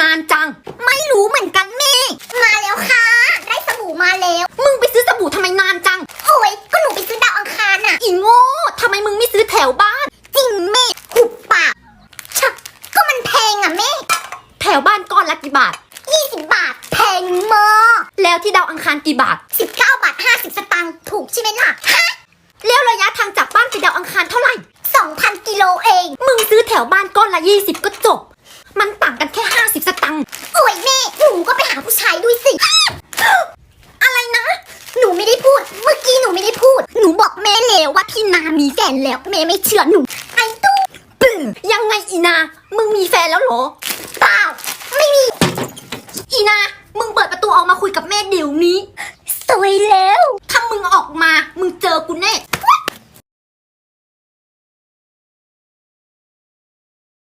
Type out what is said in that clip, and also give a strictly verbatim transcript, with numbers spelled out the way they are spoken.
านจังไม่รู้เหมือนกันแม่มาแล้วค่ะได้สบู่มาแล้วมึงไปซื้อสบู่ทำไมนานจังโอ้ยก็หนูไปซื้อดาวอังคารน่ะอีโง่ทำไมมึงไม่ซื้อแถวบ้านจริงแม่หุบปากชักก็มันแพงอ่ะแม่แถวบ้านก้อนละกี่บาทยี่สิบบาทแพงมากแล้วที่ดาวอังคารกี่บาทสิบเก้าบาทห้าสิบสตางค์ถูกใช่ไหมล่ะฮะแล้วระยะทางจากบ้านไปดาวอังคารเท่าไหร่สองพันกิโลเองมึงซื้อแถวบ้านก้อนละยี่สิบก็จบมันต่างกันแค่ห้าสิบสตางค์โอ้ยแม่หนูก็ไปหาผู้ชายด้วยสิอะไรนะหนูไม่ได้พูดเมื่อกี้หนูไม่ได้พูดหนูบอกแม่แล้วว่าพี่นามีแฟนแล้วแม่ไม่เชื่อหนูไอ้ตู้ปึ้งยังไงอีนามึงมีแฟนแล้วเหรอเปล่าไม่มีอีนามึงเปิดประตูออกมาคุยกับแม่เดี๋ยวนี้สวยแล้วถ้ามึงออกมามึงเจอกูแน่